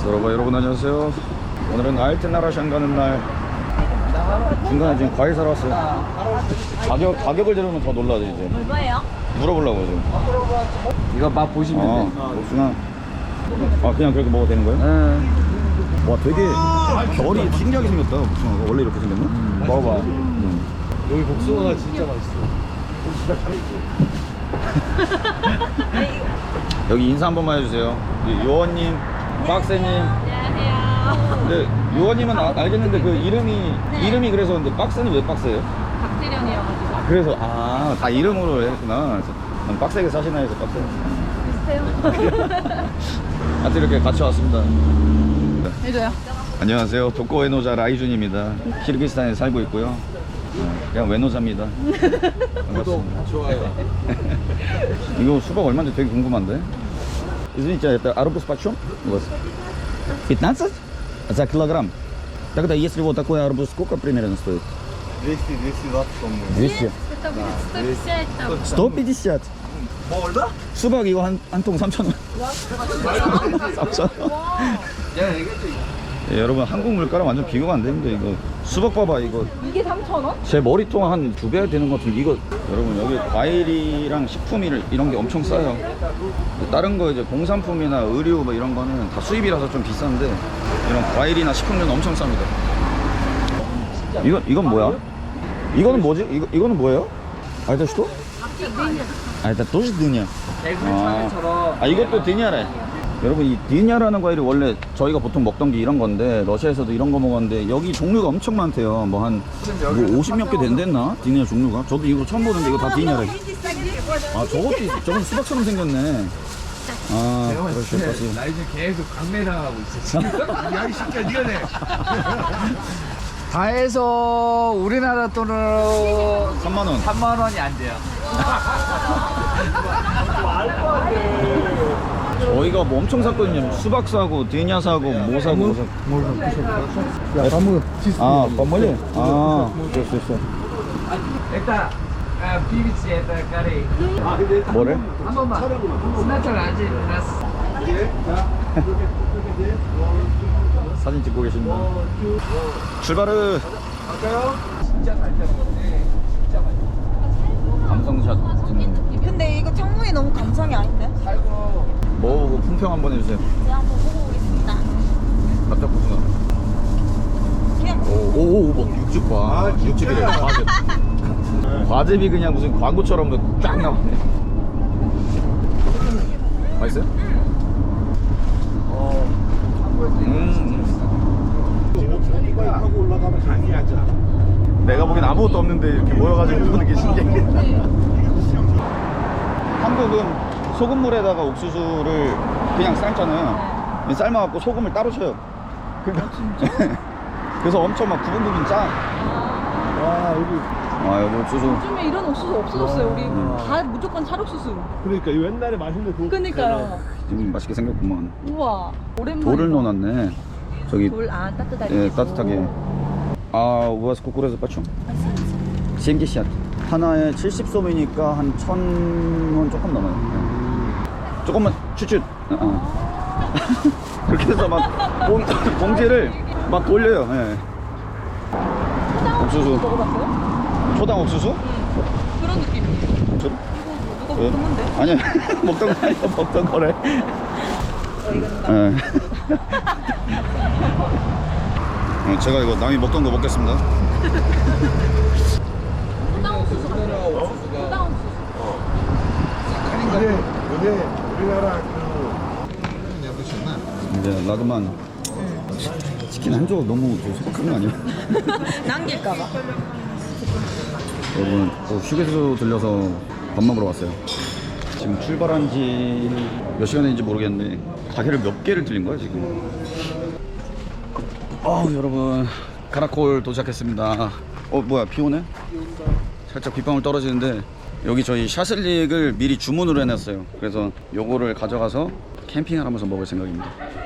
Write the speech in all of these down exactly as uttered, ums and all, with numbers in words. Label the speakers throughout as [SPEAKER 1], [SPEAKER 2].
[SPEAKER 1] 여러분, 여러분 안녕하세요. 오늘은 알테나라샹 가는 날. 중간에 지금 과일 사러 왔어요. 가격, 가격을 들으면 더 놀라죠 이제.
[SPEAKER 2] 얼마예요?
[SPEAKER 1] 물어보려고 지금.
[SPEAKER 3] 이거 맛 보시면
[SPEAKER 1] 아,
[SPEAKER 3] 돼.
[SPEAKER 1] 복숭아. 아, 그냥 그렇게 먹어도 되는 거예요?
[SPEAKER 3] 응.
[SPEAKER 1] 와, 되게 결이 신기하게 생겼다. 복숭아가 원래 이렇게 생겼나?
[SPEAKER 3] 음, 먹어봐.
[SPEAKER 1] 음.
[SPEAKER 4] 여기 복숭아가 진짜 맛있어.
[SPEAKER 1] 여기 인사 한 번만 해주세요. 요원님, 빡세님.
[SPEAKER 2] 안녕하세요.
[SPEAKER 1] 근데 요원님은 아, 알겠는데 그 이름이
[SPEAKER 2] 네.
[SPEAKER 1] 이름이 그래서 근데 빡세는 왜 빡세예요?
[SPEAKER 2] 박태령이어가지고.
[SPEAKER 1] 아, 그래서 아, 다 이름으로 했구나. 그래서 난 빡세게 사시나 해서 빡세.
[SPEAKER 2] 비슷해요.
[SPEAKER 1] 하여튼 이렇게 같이 왔습니다.
[SPEAKER 2] 해줘요.
[SPEAKER 1] 안녕하세요. 독거 외노자 라이준입니다. 키르기스탄에 살고 있고요. 어, 그냥 외노자입니다. 반갑습니다.
[SPEAKER 4] 좋아요.
[SPEAKER 1] 이거 수박 얼마인지 되게 궁금한데. Извините, это арбуз почем у вас? пятнадцать? За килограмм? Тогда если вот такой арбуз, сколько примерно стоит?
[SPEAKER 4] двести двести двадцать, по-моему.
[SPEAKER 1] двести?
[SPEAKER 2] Это будет сто пятьдесят там.
[SPEAKER 1] сто пятьдесят?
[SPEAKER 4] 뭐 얼마?
[SPEAKER 1] 수박 이거 한 한 통 삼천 원. 삼천 원.
[SPEAKER 4] 내가 얘기했지.
[SPEAKER 1] 예, 여러분 한국 물가랑 완전 비교가 안 되는데 이거 수박 봐봐 이거
[SPEAKER 2] 이게 삼천 원?
[SPEAKER 1] 제 머리통 한 두 배 되는 것 같은데 이거 여러분 여기 과일이랑 식품 이런 게 엄청 싸요. 다른 거 이제 공산품이나 의류 뭐 이런 거는 다 수입이라서 좀 비싼데 이런 과일이나 식품류는 엄청 쌉니다. 이건 이건 뭐야? 이거는 뭐지? 이거 이거는 뭐예요? 아, это что? 아, это тоже дыня.
[SPEAKER 3] 대굴차처럼.
[SPEAKER 1] 아, 이것도 디냐래. 여러분, 이 디냐라는 과일이 원래 저희가 보통 먹던 게 이런 건데 러시아에서도 이런 거 먹었는데 여기 종류가 엄청 많대요. 뭐 한 뭐 오십 몇 개 된댔나? 디냐 종류가. 저도 이거 처음 보는데 이거 다 디냐래. 아, 저것도 있- 저건 수박처럼 생겼네. 아,
[SPEAKER 4] 내가 봤을
[SPEAKER 1] 그렇죠.
[SPEAKER 4] 때
[SPEAKER 1] 그렇지.
[SPEAKER 4] 나 이제 계속 강매당하고 있어. 지금. 야, 이 새끼야, 니가 내.
[SPEAKER 3] 다 해서 우리나라 돈으로
[SPEAKER 1] 삼만 원.
[SPEAKER 3] 삼만 원이 안 돼요.
[SPEAKER 1] 저희가 뭐 엄청 샀거든요. 수박 사고, 디냐 사고, 뭐 사고, 뭐 사고.
[SPEAKER 4] 야, 나무
[SPEAKER 1] 아, 버물리? 아, 됐어, 됐어.
[SPEAKER 3] 일단 비비치 일단 까리.
[SPEAKER 1] 뭐래?
[SPEAKER 3] 한 번만. 스나처럼 아직 났어.
[SPEAKER 1] 사진 찍고 계십니다. 출발을.
[SPEAKER 4] 갈까요?
[SPEAKER 3] 진짜 잘 되는 건데. 진짜 맛있어.
[SPEAKER 1] 감성샷 찍는 거.
[SPEAKER 2] 근데 이거 창문이 너무 감성이 아닌데?
[SPEAKER 3] 살고.
[SPEAKER 1] 먹어보고 품평 한번 해주세요.
[SPEAKER 2] 제가 한번 보고 오겠습니다.
[SPEAKER 1] 납작 복숭아.
[SPEAKER 2] 그냥
[SPEAKER 1] 오오오 뭐 육즙 봐.
[SPEAKER 4] 아, 진짜?
[SPEAKER 1] 육즙이래. 과즙. 과즙이 그냥 무슨 광고처럼 쫙 나오네. 맛있어요?
[SPEAKER 4] 어.
[SPEAKER 1] 음.
[SPEAKER 4] 이거 하고 올라가면 강의하자.
[SPEAKER 1] 내가 보기엔 아무것도 없는데 이렇게 모여가지고 보는 게 신기해. 한국은 소금물에다가 옥수수를 그냥 삶잖아요. 삶아갖고 소금을 따로 쳐요. 그러니까 그래서 엄청 막 부분 부분 짜.
[SPEAKER 4] 와, 여기.
[SPEAKER 1] 아, 여기 옥수수.
[SPEAKER 5] 요즘에 이런 옥수수 없어졌어요. 우리
[SPEAKER 1] 음.
[SPEAKER 5] 다 무조건 찰옥수수.
[SPEAKER 4] 그러니까 이 옛날에 맛있는 그.
[SPEAKER 5] 그니까요.
[SPEAKER 1] 지금 맛있게 생겼구만.
[SPEAKER 5] 우와. 오랜만에.
[SPEAKER 1] 돌을 넣어놨네. 저기
[SPEAKER 5] 돌, 아, 따뜻하게.
[SPEAKER 1] 예,
[SPEAKER 5] 해서.
[SPEAKER 1] 따뜻하게. 아, у вас кукуруза почем? 칠십. 하나에 칠십 솜이니까 한 천 원 조금 넘어요. 예. 조금만 추추. 어, 어. 그렇게 해서 막 봉, 봉지를 막 돌려요. 예. 옥수수.
[SPEAKER 5] 먹어봤어요?
[SPEAKER 1] 초당 옥수수?
[SPEAKER 5] 그런 느낌이에요.
[SPEAKER 1] 저,
[SPEAKER 5] 이거 누가
[SPEAKER 1] 예.
[SPEAKER 5] 먹는데?
[SPEAKER 1] 아니야. 먹던 거 아니야. 먹던 거래. 예. 어, 제가 이거 남이 먹던 거 먹겠습니다.
[SPEAKER 5] 초당 옥수수 같아요. 초당 옥수수.
[SPEAKER 4] 근데, 근데 우리나라 그.
[SPEAKER 1] 이제 라그만 치킨 한 조각 너무 소박한 거 아니야?
[SPEAKER 2] 남길까봐.
[SPEAKER 1] 여러분 또 휴게소 들려서 밥 먹으러 왔어요. 지금 출발한 지 몇 시간 됐는지 모르겠는데 가게를 몇 개를 들린 거야 지금. 아 여러분 카라콜 도착했습니다. 어 뭐야 비 오네? 살짝 빗방울 떨어지는데 여기 저희 샤슬릭을 미리 주문을 해놨어요. 그래서 요거를 가져가서 캠핑을 하면서 먹을 생각입니다.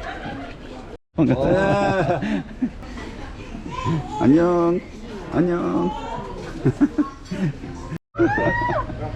[SPEAKER 1] 반갑다. 안녕. 안녕.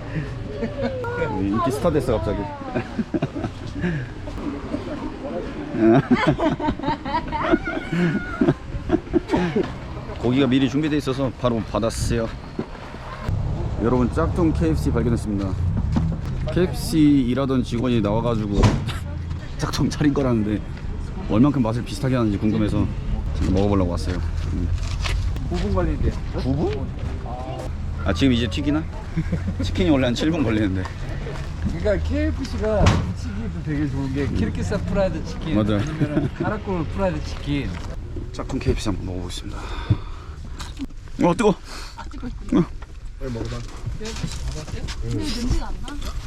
[SPEAKER 1] 인기 스타 됐어 갑자기. 고기가 미리 준비되어 있어서 바로 받았어요. 여러분, 짝퉁 케이에프씨 발견했습니다. 케이에프씨 일하던 직원이 나와가지고 짝퉁 차린 거라는데 얼만큼 맛을 비슷하게 하는지 궁금해서 지금 먹어보려고 왔어요. 음.
[SPEAKER 4] 구 분 걸리는데.
[SPEAKER 1] 구 분? 아, 지금 이제 튀기나? 치킨이 원래 한 칠 분 걸리는데.
[SPEAKER 4] 그러니까 케이에프씨가 치킨도 되게 좋은 게 키르기스 프라이드 치킨,
[SPEAKER 1] 맞아요.
[SPEAKER 4] 아니면 카라콜 프라이드 치킨.
[SPEAKER 1] 짝퉁 케이에프씨 한번 먹어보겠습니다. 어, 뜨거.
[SPEAKER 5] 아, 찍고 있어.
[SPEAKER 1] 어.
[SPEAKER 4] 빨리 먹어봐.
[SPEAKER 5] 근데 냄새가 안 나?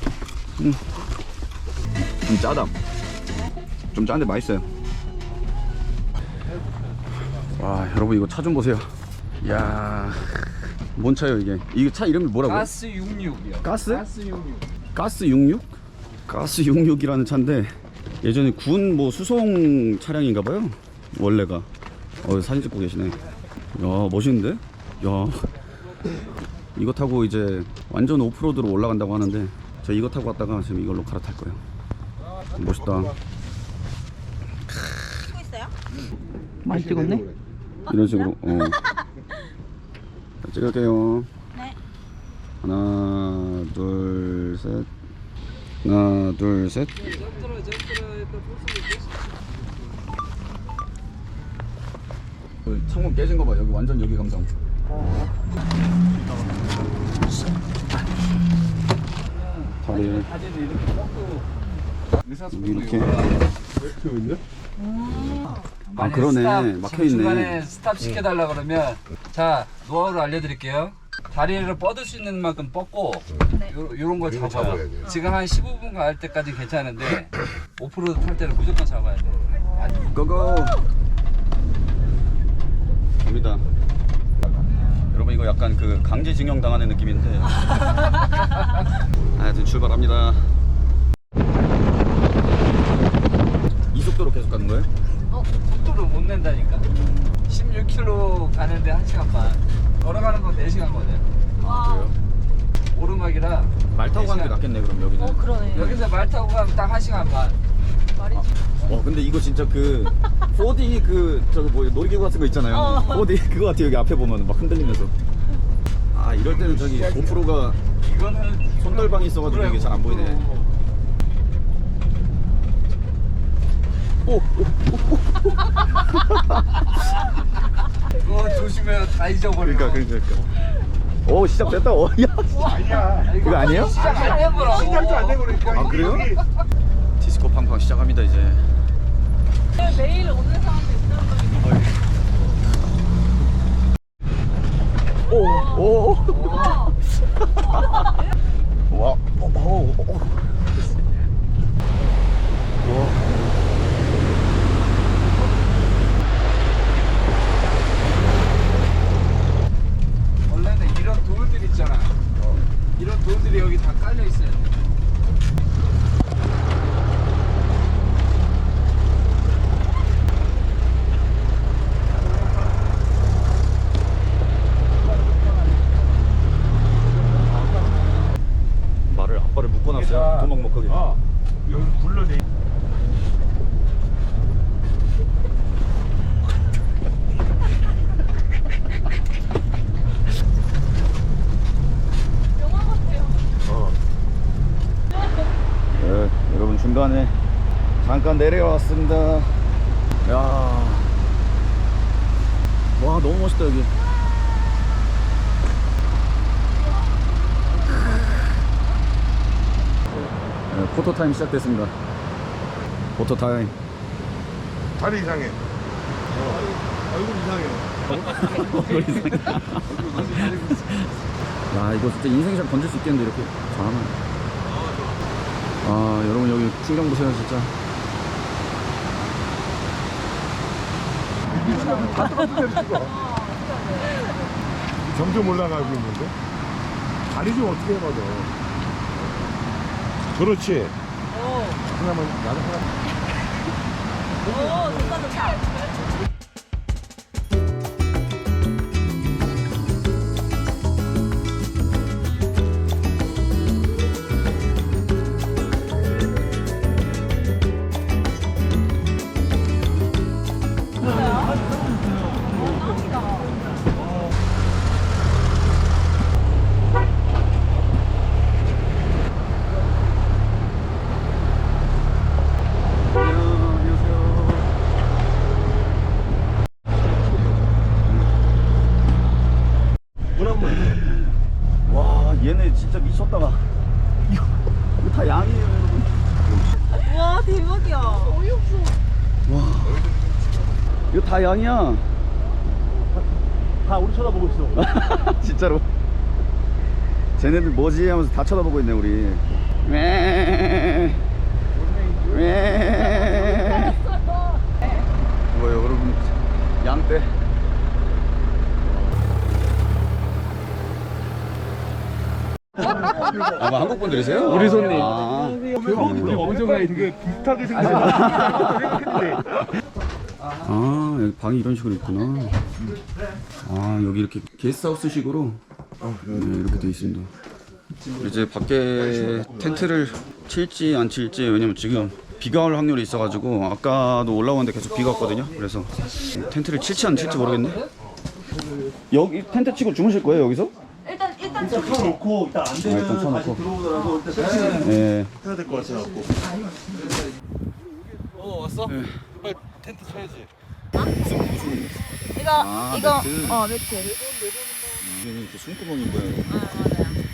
[SPEAKER 1] 좀 짜다. 좀 짠데 맛있어요. 와, 여러분 이거 차 좀 보세요. 이야, 뭔 차예요 이게? 이거 차 이름이 뭐라고요?
[SPEAKER 4] 가스 육십육이요.
[SPEAKER 1] 가스?
[SPEAKER 4] 가스 육십육.
[SPEAKER 1] 가스 육십육? 가스 육십육이라는 차인데 예전에 군 뭐 수송 차량인가봐요. 원래가. 어, 사진 찍고 계시네. 야, 멋있는데? 야, 이거 타고 이제 완전 오프로드로 올라간다고 하는데 저 이거 타고 왔다가 지금 이걸로 갈아탈 거예요. 멋있다.
[SPEAKER 2] 찍고 있어요?
[SPEAKER 5] 많이 찍었네?
[SPEAKER 1] 이런 식으로. 어. 자, 찍을게요.
[SPEAKER 2] 네.
[SPEAKER 1] 하나, 둘, 셋. 하나, 둘, 셋. 그 창문 깨진 거 봐. 여기 완전 여기 감성. 다리
[SPEAKER 4] 사진이 이렇게 뻑도 의사소통도
[SPEAKER 1] 이렇게.
[SPEAKER 4] 있네.
[SPEAKER 1] 아, 그러네. 막혀 있네.
[SPEAKER 4] 중간에 스탑 시켜달라 그러면 자 노하우를 알려드릴게요. 다리를 뻗을 수 있는 만큼 뻗고 요, 요런 걸 잡아요. 지금 한 십오 분 갈 때까지 괜찮은데 오프로드 탈 때는 무조건 잡아야 돼.
[SPEAKER 1] 고고. 갑니다. 여러분 이거 약간 그 강제징용 당하는 느낌인데. 하여튼 출발합니다. 이 속도로 계속 가는 거예요?
[SPEAKER 4] 속도를 못 낸다니까. 십육 킬로미터 가는데 한 시간 반. 걸어가는 건 네 시간 거든.
[SPEAKER 1] 그래요?
[SPEAKER 4] 오르막이라
[SPEAKER 1] 말 타고 가는 게
[SPEAKER 4] 네 시간.
[SPEAKER 1] 낫겠네 그럼 여기는.
[SPEAKER 2] 어 그러네.
[SPEAKER 4] 여기서 말 타고 가면 딱 한 시간 반.
[SPEAKER 1] 와, 근데 이거 진짜 그 포디 그 저거 뭐 놀이기구 같은 거 있잖아요.
[SPEAKER 2] 어.
[SPEAKER 1] 포디 그거 같아. 여기 앞에 보면 막 흔들리면서. 아, 이럴 때는 저기 고프로가
[SPEAKER 4] 이거는
[SPEAKER 1] 손떨방이 있어가지고 이게 잘 안 보이네. 오, 오,
[SPEAKER 4] 그거 조심해요. 다 잊어버려.
[SPEAKER 1] 그러니까 그러니까. 오, 시작됐다. 오, 야.
[SPEAKER 4] 아니야.
[SPEAKER 1] 이거 아니에요?
[SPEAKER 4] 시작 안 해보라고.
[SPEAKER 3] 시작도 안 되고 그러니까.
[SPEAKER 1] 아, 그래요? 디스코 팡팡 시작합니다 이제.
[SPEAKER 5] 매일 오는 사람들 있더라고요.
[SPEAKER 1] 오, 오. 와, 오, 오, 오. 와.
[SPEAKER 4] 원래는 이런 돌들 있잖아. 이런 돌들이 여기 다 깔려 있어요.
[SPEAKER 1] 말을 아빠를 묶어놨어요. 도망 못 가게.
[SPEAKER 3] 어. 여기 불러내.
[SPEAKER 5] 영화 같아요.
[SPEAKER 3] 어.
[SPEAKER 1] 네, 여러분 중간에 잠깐 내려왔습니다. 야, 와 너무 멋있다 여기. 네, 포토 타임 시작됐습니다. 포토 타임.
[SPEAKER 3] 다리 이상해. 얼굴 이상해.
[SPEAKER 1] 야, 이거 진짜 인생샷 건질 수 있겠는데 이렇게 잘하면. 아, 여러분 여기 풍경 보세요 진짜.
[SPEAKER 3] 다 떨어뜨려 찍어. 점점 올라가고 있는데. 다리 좀 어떻게 해봐도. 그렇지. 하나만 나도 하나.
[SPEAKER 2] 오 좋다 좋다.
[SPEAKER 1] 다 양이야.
[SPEAKER 6] 다 우리 쳐다보고 있어.
[SPEAKER 1] 진짜로. 쟤네들 뭐지 하면서 다 쳐다보고 있네 우리. 왜? 왜? 뭐 여러분 양떼. 아, 뭐 한국 분들이세요?
[SPEAKER 6] 우리 손님.
[SPEAKER 1] 아,
[SPEAKER 6] 우리 원정가 되게 비슷하게 생겼는데.
[SPEAKER 1] 아, 여기 방이 이런 식으로 있구나. 아, 여기 이렇게 게스트하우스 식으로 네, 이렇게 돼 있습니다. 이제 밖에 텐트를 칠지 안 칠지, 왜냐면 지금 비가 올 확률이 있어가지고 아까도 올라오는데 계속 비가 왔거든요. 그래서 텐트를 칠지 안 칠지 모르겠네. 여기 텐트 치고 주무실 거예요 여기서?
[SPEAKER 2] 일단 일단
[SPEAKER 6] 일단 펴놓고 일단 안
[SPEAKER 1] 아,
[SPEAKER 6] 되면
[SPEAKER 1] 일단 쳐놓고.
[SPEAKER 6] 다시 들어오더라도 일단 설치는
[SPEAKER 1] 네.
[SPEAKER 6] 해야 될 것 같아갖고.
[SPEAKER 4] 어 왔어?
[SPEAKER 1] 네.
[SPEAKER 4] 빨리 텐트 쳐야지.
[SPEAKER 2] 이거
[SPEAKER 1] 아,
[SPEAKER 2] 이거
[SPEAKER 1] 매트.
[SPEAKER 2] 어 매트.
[SPEAKER 1] 이게 이렇게 숨구멍인 거예요.
[SPEAKER 2] 아 맞아요.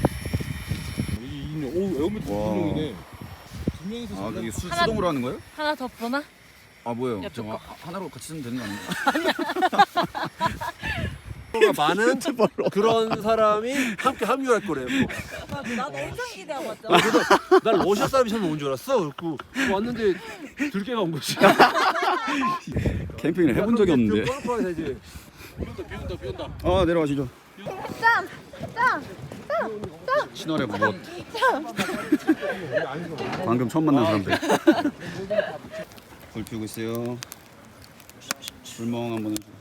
[SPEAKER 4] 오 에어컨 두
[SPEAKER 1] 와.
[SPEAKER 4] 명이네. 두 명이서
[SPEAKER 1] 아, 그게 수,
[SPEAKER 2] 하나-
[SPEAKER 1] 수동으로 하는 거예요?
[SPEAKER 2] 하나 더 보나?
[SPEAKER 1] 아, 뭐예요?
[SPEAKER 2] 옆에
[SPEAKER 1] 저
[SPEAKER 2] 거.
[SPEAKER 1] 하- 하나로 같이 쓰면 되는 거 아닌가?
[SPEAKER 6] 많은 그런 사람이 함께 합류할 거래요.
[SPEAKER 2] 나도 엄청 기대하고 왔죠.
[SPEAKER 6] 난 러시아 사람이 처음 온 줄 알았어. 그리고 왔는데 들깨가 온 거지.
[SPEAKER 1] 캠핑을 해본 적이 없는데.
[SPEAKER 6] 되지.
[SPEAKER 4] 비온다 비온다.
[SPEAKER 1] 아, 내려가시죠.
[SPEAKER 2] 짠! 짠!
[SPEAKER 1] 신월의 무엇. 방금 처음 만난 사람들. 불 피우고 있어요. 불멍 한번 해줘.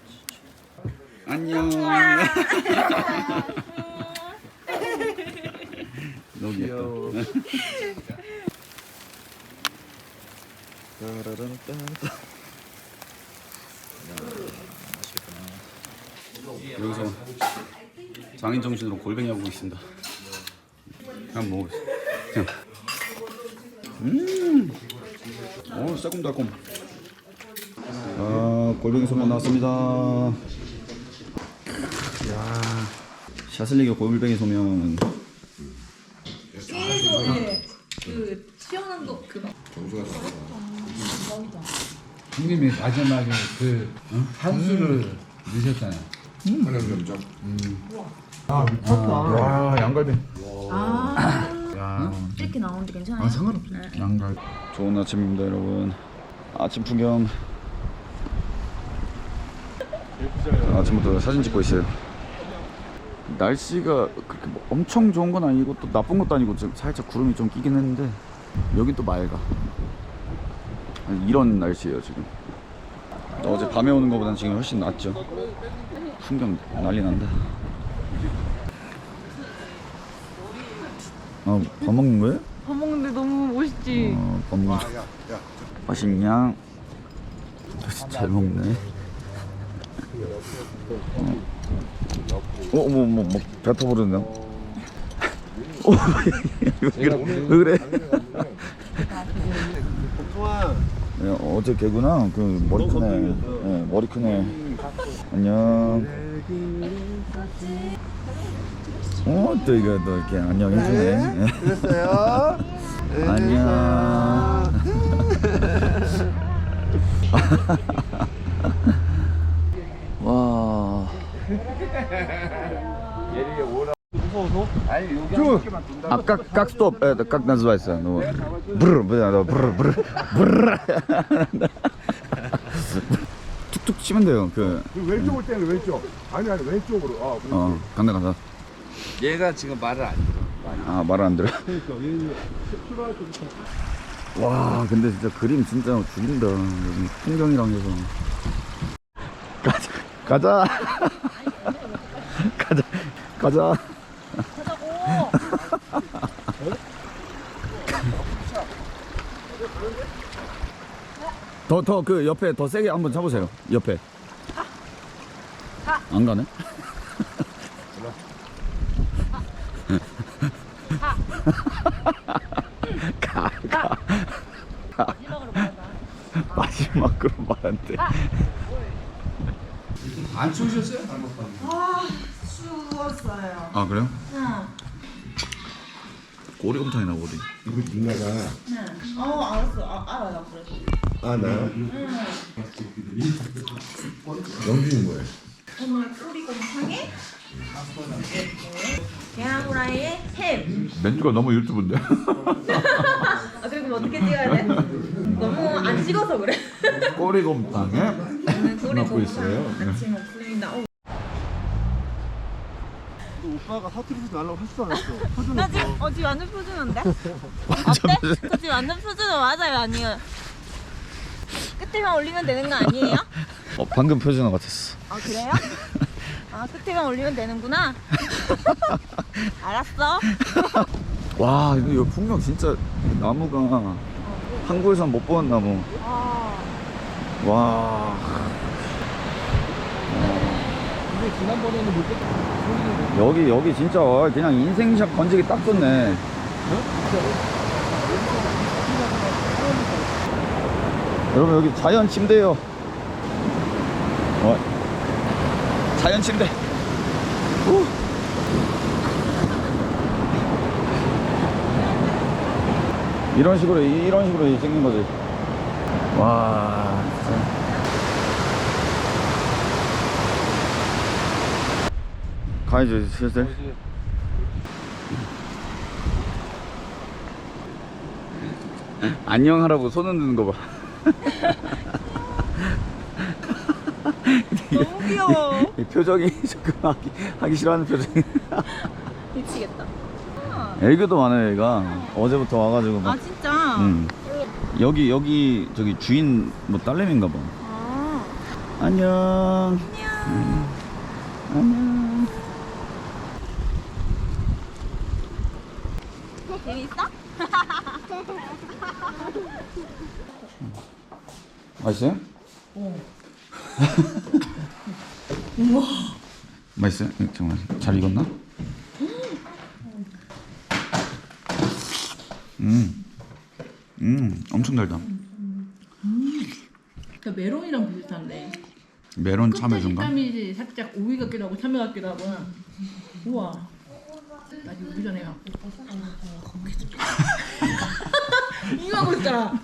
[SPEAKER 1] 안녕. 너무 귀엽다. 여기서 장인 정신으로 골뱅이 하고 있습니다. 한번 먹어보겠습니다. 그냥. 음, 오, 새콤달콤. 아, 골뱅이 소면 나왔습니다. 야, 샤슬리게 골뱅이 소면.
[SPEAKER 5] 그 시원한 거 그거.
[SPEAKER 4] 형님이 마지막에 그 한수를 넣으셨잖아요.
[SPEAKER 1] 와, 양갈비.
[SPEAKER 2] 아 이렇게 나오는데 괜찮아요?
[SPEAKER 1] 상관없어. 양갈비. 좋은 아침입니다, 여러분. 아침 풍경. 아침부터 사진 찍고 있어요. 날씨가 그렇게 뭐 엄청 좋은 건 아니고 또 나쁜 것도 아니고 지금 살짝 구름이 좀 끼긴 했는데 여긴 또 맑아. 아니, 이런 날씨예요 지금. 어제 밤에 오는 것보다는 지금 훨씬 낫죠. 풍경 난리 난다. 아, 밥 먹는 거예요?
[SPEAKER 5] 밥 먹는데 너무 멋있지.
[SPEAKER 1] 어, 밥 먹는 거. 맛있냐? 잘 먹네. 어, 어머, 어머, 뭐 뱉어버렸네. 어, 왜 그래? 왜 그래? 네, 어제 개구나. 그 머리 크네. 네, 머리 크네. 안녕. 어, 또 이거 또 이렇게 안녕 해주네.
[SPEAKER 6] 그랬어요.
[SPEAKER 1] 안녕. 와. А как как стоп это как называется? Ну бр бр бр бр бр 툭툭 치면 돼요. 그
[SPEAKER 7] 왼쪽을 때는 왼쪽. 아니 아니 왼쪽으로. 아,
[SPEAKER 1] 어, 간다 간다.
[SPEAKER 4] 얘가 지금 말을 안 들어.
[SPEAKER 1] 아, 말 안 들어. 와, 근데 진짜 그림 진짜 죽인다. 여기 풍경이랑 해서. 가자. 가자. 가자. 가자. 더 더 그 옆에 더 세게 한번 잡으세요. 옆에. 안 가네? 가, 가. 마지막으로 말한대.
[SPEAKER 4] 안 추우셨어요?
[SPEAKER 2] 아 추웠어요.
[SPEAKER 1] 아, 그래요?
[SPEAKER 2] 응.
[SPEAKER 1] 오리곰탕이 나오거든.
[SPEAKER 7] 이거 누나가
[SPEAKER 2] 어 알았어. 아, 알아요 그래서.
[SPEAKER 7] 아 나요?
[SPEAKER 2] 응.
[SPEAKER 7] 영준이 뭐해?
[SPEAKER 2] 오늘 꼬리곰탕에 계란 후라이에 햄.
[SPEAKER 7] 멘트가 너무 유튜브인데?
[SPEAKER 2] 아 그리고 뭐 어떻게 찍어야 돼? 너무 안 찍어서 그래.
[SPEAKER 7] 꼬리곰탕에
[SPEAKER 2] 오늘
[SPEAKER 7] 맡고 있어요.
[SPEAKER 2] 꼬리곰탕 같이 먹습니다. 어.
[SPEAKER 6] 오빠가 사투리에서 날라고 하지도 않았어.
[SPEAKER 2] 나 지금 어 지금 완전 표준인데? 어때? 저 지금 완전 표준은 맞아요 아니에요? 끝에만 올리면 되는 거 아니에요?
[SPEAKER 1] 어, 방금 표준어 같았어.
[SPEAKER 2] 아 그래요? 아 끝에만 올리면 되는구나. 알았어.
[SPEAKER 1] 와, 이거, 이거 풍경 진짜 나무가 한국에선 못 보는 나무.
[SPEAKER 2] 아.
[SPEAKER 1] 와.
[SPEAKER 6] 근데 지난번에는 못 뺐다.
[SPEAKER 1] 여기 여기 진짜 그냥 인생샷 건지기 딱 좋네. 여러분 여기 자연 침대요. 어. 자연 침대. 후. 이런 식으로 이런 식으로 생긴 거지. 와. 진짜. 가야지 슬슬. 안녕하라고 손 흔드는 거 봐.
[SPEAKER 2] 너무 귀여워.
[SPEAKER 1] 이 표정이 조금 하기, 하기 싫어하는 표정이.
[SPEAKER 2] 미치겠다.
[SPEAKER 1] 애교도 많아요 얘가. 어제부터 와가지고 막.
[SPEAKER 2] 아 진짜?
[SPEAKER 1] 응. 여기 여기 저기 주인 뭐 딸내미인가 봐.
[SPEAKER 2] 아.
[SPEAKER 1] 안녕.
[SPEAKER 2] 안녕.
[SPEAKER 1] 응. 안녕.
[SPEAKER 2] 재밌어?
[SPEAKER 1] 맛있어요? 어. 우와. 맛있어요? 네, 잠깐만. 잘 익었나? 음. 음, 엄청 달다.
[SPEAKER 5] 그 메론이랑 비슷한데.
[SPEAKER 1] 메론
[SPEAKER 5] 끝에
[SPEAKER 1] 참외인가?
[SPEAKER 5] 식감이 살짝 오이 같기도 하고 참외 같기도 하고. 우와. 나 지금 오기 전에 갖고. 이거 하고 있잖아.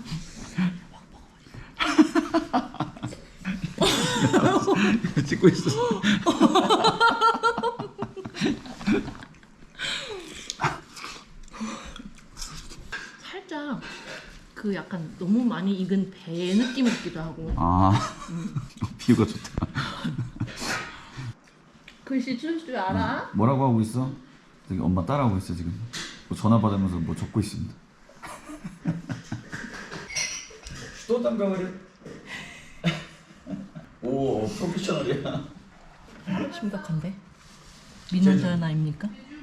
[SPEAKER 1] 찍고 있어.
[SPEAKER 5] 살짝 그 약간 너무 많이 익은 배 느낌 같기도 하고.
[SPEAKER 1] 아, 비유가 좋다.
[SPEAKER 5] 글씨 쓸 줄 알아?
[SPEAKER 1] 뭐라고 하고 있어? 저기 엄마 따라하고 있어 지금. 뭐 전화 받으면서 뭐 적고 있습니다. 또 땀병을 오, 프로페셔널이야.
[SPEAKER 5] 심각한데? 믿는 사연 아닙니까?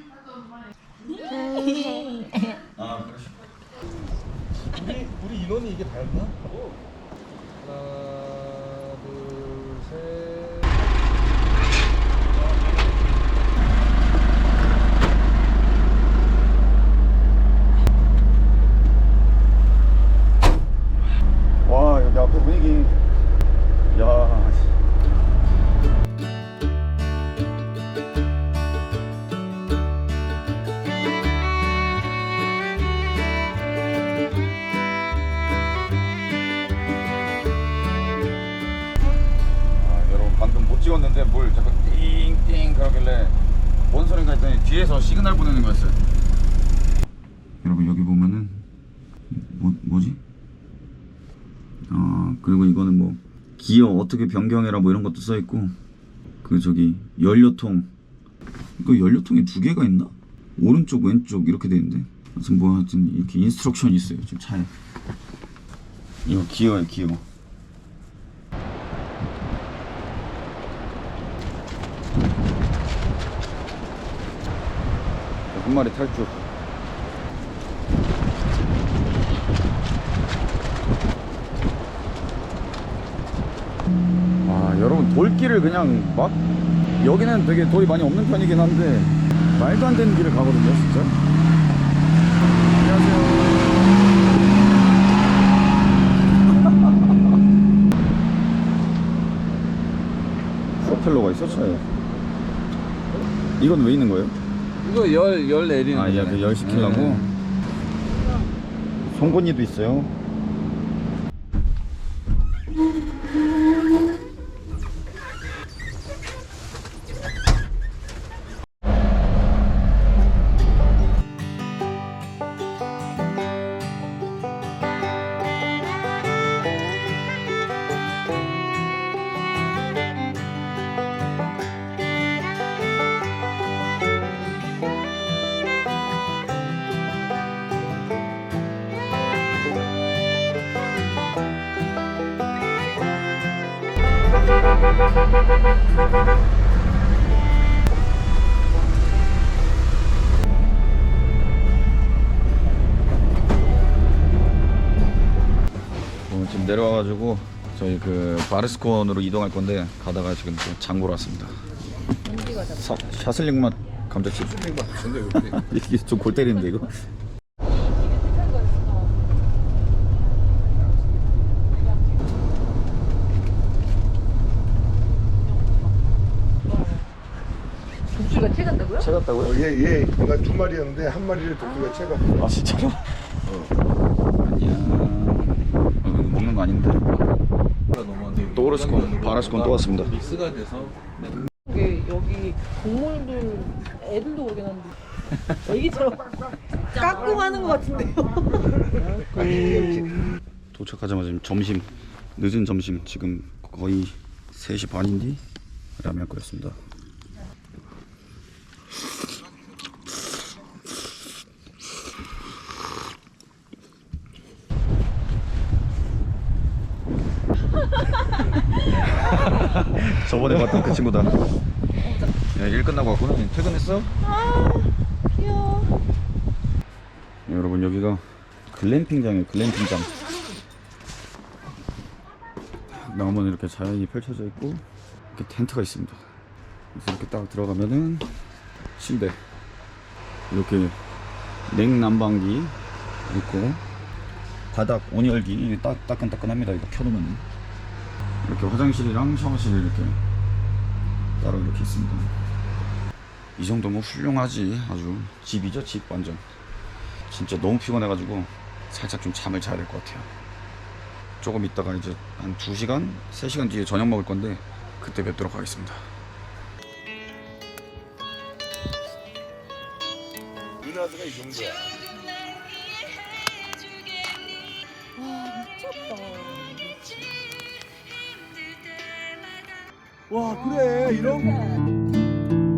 [SPEAKER 1] 아, 그러시.
[SPEAKER 6] 우리 우리 인원이 이게 다였나? 하나, 둘, 셋.
[SPEAKER 1] 와, 여기 앞에 분위기. 야. 아, 여러분 방금 못 찍었는데 뭘 자꾸 띵띵 그러길래 뭔 소린가 했더니 뒤에서 시그널 보내는 거였어요. 여러분 여기 보면은 뭐 뭐지? 아, 그리고 이거는 뭐 기어 어떻게 변경해라 뭐 이런 것도 써 있고, 그 저기 연료통, 이거 연료통이 두 개가 있나? 오른쪽 왼쪽 이렇게 돼 있는데, 하여튼 뭐 하여튼 이렇게 인스트럭션이 있어요 지금 차에. 이거 기어예요 기어. 한 마리 탈출. 아, 여러분 돌길을 그냥 막, 여기는 되게 돌이 많이 없는 편이긴 한데 말도 안 되는 길을 가거든요 진짜. 안녕하세요. 프로펠러가 있어 차에. 이건 왜 있는 거예요?
[SPEAKER 4] 이거 열, 열 내리는
[SPEAKER 1] 아, 예,
[SPEAKER 4] 거잖아요.
[SPEAKER 1] 그열 시키려고.
[SPEAKER 4] 네.
[SPEAKER 1] 송곳니도 있어요. 어, 지금 내려와가지고 저희 그 바르스콘으로 이동할 건데 가다가 지금 또 장 보러 왔습니다. 사, 샤슬링 맛 감자칩.
[SPEAKER 7] 샤슬링 맛 존나 이거.
[SPEAKER 1] 이게 좀 골 때리는데 이거.
[SPEAKER 5] 독수리가 채 간다고요?
[SPEAKER 1] 채 같다고요?
[SPEAKER 7] 어, 얘, 얘, 내가 두 마리였는데 한 마리를 독수리가 채가.
[SPEAKER 1] 아 진짜로? 아니야. 어, 먹는 거 아닌데. 또 오르스콘, 바르스콘 또 왔습니다.
[SPEAKER 6] 믹스가 돼서
[SPEAKER 5] 이게 여기 동물들 애들도 오긴 한데 애기처럼 깎고 가는 것 같은데요.
[SPEAKER 1] 도착하자마자 지금 점심, 늦은 점심 지금 거의 세 시 반인데 라면 끓였습니다. 저번에 봤던 그 친구다. 야, 일 끝나고 왔구나. 퇴근했어?
[SPEAKER 2] 아 귀여워.
[SPEAKER 1] 여러분 여기가 글램핑장이에요. 글램핑장. 나무는 이렇게 자연이 펼쳐져 있고 이렇게 텐트가 있습니다. 그래서 이렇게 딱 들어가면은 침대, 이렇게 냉난방기 있고 바닥 온열기 이게 딱 따끈따끈합니다. 이거 켜놓으면 이렇게 화장실이랑 샤워실이 이렇게 따로 이렇게 있습니다. 이 정도면 훌륭하지. 아주 집이죠, 집 완전. 진짜 너무 피곤해가지고 살짝 좀 잠을 자야 될 것 같아요. 조금 있다가 이제 한 두 시간, 세 시간 뒤에 저녁 먹을 건데 그때 뵙도록 하겠습니다.
[SPEAKER 7] 누나드가 이 정도야. 와 그래 이런 거.